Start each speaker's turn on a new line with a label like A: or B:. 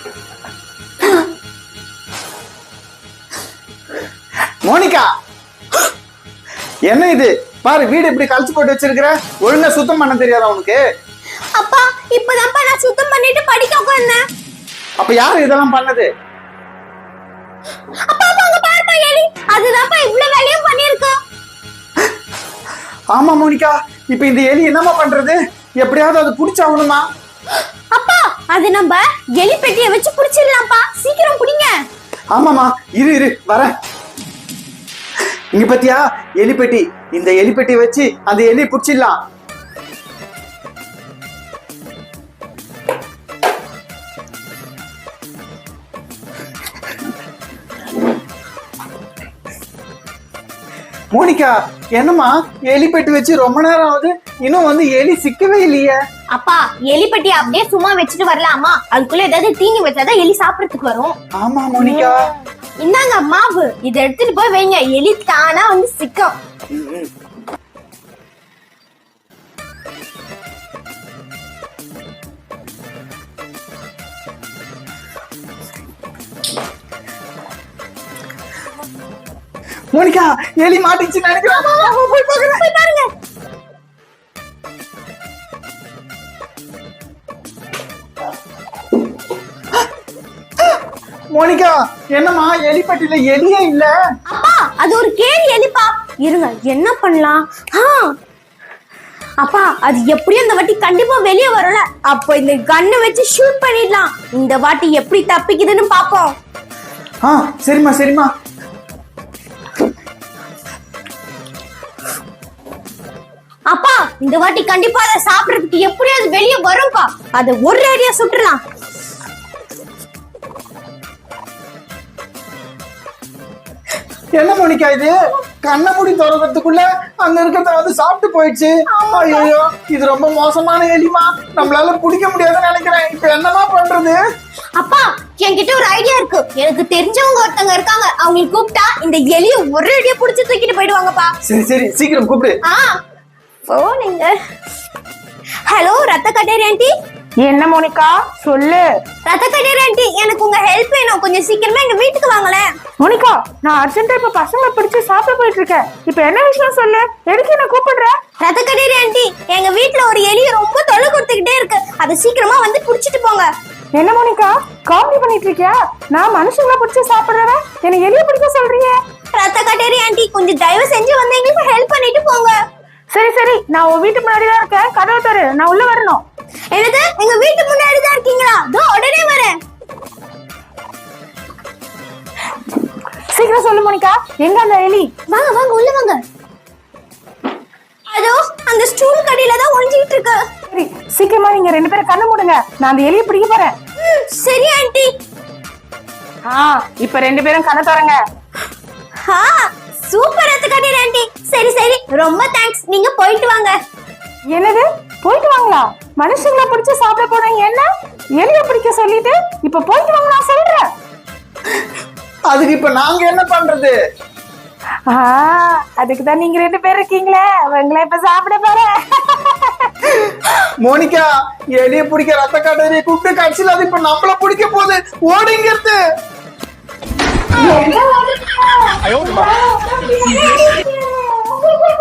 A: Monica, என்ன இது பாரு, வீடு இப்படி கழிச்சு போட்டு வச்சிருக்கிற. ஒழுங்கா சுத்தம் பண்ண தெரியாதா உனக்கு?
B: அப்பா இப்பதான்ப்பா நான் சுத்தம் பண்ணிட்டு படிக்க உட்கார்ந்தேன்.
A: அப்ப யாரு இதெல்லாம் பண்ணது?
B: அப்பா அங்க பாருப்பா எலி, அதுதான்ப்பா இவ்வளவு வேலையும் பண்ணிருக்கோம்.
A: ஆமா மோனிகா, இப்ப இந்த எலி என்னமா பண்றது? எப்படியாவது அது புடிச்சாகணுமா?
B: அப்பா அது நம்ம எலி பெட்டியை வச்சு புடிச்சிடலாம்ப்பா, சீக்கிரம் புடிங்க.
A: ஆமாமா, இரு வரேன். இங்க பத்தியா எலிப்பெட்டி, இந்த எலிப்பெட்டியை வச்சு அந்த எலியை புடிச்சிடலாம். மோனிகா, என்னம்மா எலிப்பெட்டி வச்சு ரொம்ப நேரம் ஆகுது, இன்னும் வந்து எலி சிக்கவே இல்லையே?
B: அப்பா எலி பெட்டி அப்படியே சும்மா வச்சுட்டு வரலாமா? அதுக்குள்ள ஏதாவது தீனி வச்சாதான் எலி சாப்பிடறதுக்கு வரும்.
A: ஆமா மோனிகா.
B: இந்தாங்க மாவு, இதை எடுத்துட்டு போய் வைங்க, எலி தானா வந்து சிக்கும்.
A: மோனிகா, எலி மாட்டிச்சு நினைக்கிறேன். போய் பாருங்க. மோனிகா, என்னம்மா எலிப்பட்டியில எலியே இல்ல?
B: அப்பா அது ஒரு கேலி எலிப்பா. இருங்க என்ன பண்ணலாம்? அப்பா அது எப்படியும் இந்த வாட்டி கண்டிப்பா வெளியே வரும்ல, அப்போ இந்த கண்ணை வச்சு ஷூட் பண்ணிடலாம். இந்த வாட்டி எப்படி தப்பிக்குதுன்னு பாப்போம்.
A: சரிம்மா.
B: அப்பா இந்த வாட்டி கண்டிப்பா அதை சாப்பிடறதுக்கு எப்படியாவது வெளியே வரும்பா. அதை ஒரு அடியா சுட்டுலாம்.
A: என்ன மோனிகா இது? கண்ணை மூடி திறக்கிறதுக்குள்ள அங்க இருக்கிறத வந்து சாப்பிட்டு போயிடுச்சு. ஐயோ, இது ரொம்ப மோசமான எலிமா, நம்மளால பிடிக்க முடியாதுன்னு நினைக்கிறேன். இப்ப என்னமா பண்றது?
B: அப்பா என்கிட்ட ஒரு ஐடியா இருக்கு. எனக்கு தெரிஞ்சவங்க ஒருத்தங்க இருக்காங்க, அவங்களுக்கு கூப்பிட்டா இந்த எலியை ஒரு அடியா புடிச்சு தூக்கிட்டு போயிடுவாங்கப்பா.
A: சரி சீக்கிரம் கூப்பிடு.
B: போனீங்க. ஹலோ ரத்த கட்டேரி ஆண்டி.
C: என்ன மோனிகா சொல்லு.
B: ரத்த கட்டேரி ஆண்டி, எனக்கு உங்க ஹெல்ப் வேணும், கொஞ்சம் சீக்கிரமா எங்க வீட்டுக்கு வாங்களேன்.
C: மோனிகா, நான் அர்ஜென்ட்டா இப்ப பசங்க பிடிச்சு சாப்பிட போயிட்டு இருக்கேன். இப்ப என்ன விஷயம் சொல்லு, எதுக்கு என்ன கூப்பிடுற?
B: ரத்த கட்டேரி ஆண்டி, எங்க வீட்டுல ஒரு எலி ரொம்ப தொல்லை கொடுத்துக்கிட்டே இருக்கு, அதை சீக்கிரமா வந்து புடிச்சிட்டு போங்க.
C: என்ன மோனிகா காமெடி பண்ணிட்டு இருக்கியா? நான் மனுஷங்களை பிடிச்சு சாப்பிடுறவன் என்ன எலிய பிடிக்க சொல்றீங்க?
B: ரத்த கட்டேரி ஆண்டி, கொஞ்சம் தயவு செஞ்சு வந்து எங்களுக்கு ஹெல்ப் பண்ணிட்டு போங்க.
C: சரி நான் உன் வீட்டு முன்னாடி தான் இருக்கேன், கதவை தரு, நான் உள்ள வரணும்.
B: என்னது, எங்க வீட்டு முன்னாடி தான் இருக்கீங்களா? தோ உடனே வரேன்.
C: சீக்கிரம் சொல்லு மோனிகா, எங்க அந்த எலி?
B: வாங்க உள்ள வாங்க. அதோ அந்த ஸ்டூல் கடையில தான் ஒளிஞ்சிட்டு இருக்கு.
C: சரி சீக்கிரமா நீங்க ரெண்டு பேரும் கண்ணு மூடுங்க, நான் அந்த எலியை பிடிக்க போறேன்.
B: சரி ஆண்டி.
C: இப்ப ரெண்டு பேரும் கண்ணை தரங்க.
B: சூப்பர் ரத்த கட்டேரி ஆண்டி. சரி ரொம்ப தேங்க்ஸ், நீங்க போயிட்டு வாங்க.
C: என்னது போயிட்டு வாங்களா? மனுஷங்களை பிடிச்சு சாப்பிட போனீங்க, என்ன எலிய பிடிக்க சொல்லிட்டு இப்ப போயிட்டு வாங்க நான் சொல்றேன்.
A: அதுக்கு இப்ப நாங்க என்ன பண்றது?
C: அதுக்குதான் நீங்க ரெண்டு பேர் இருக்கீங்களே, உங்களை இப்ப சாப்பிட போறேன்.
A: மோனிகா, எலிய பிடிக்க ரத்த காட்டேரியை கூப்பிட்டு கட்சியில் அது இப்ப நம்மள பிடிக்க போகுது. ஓடிங்கிறது.
B: என்ன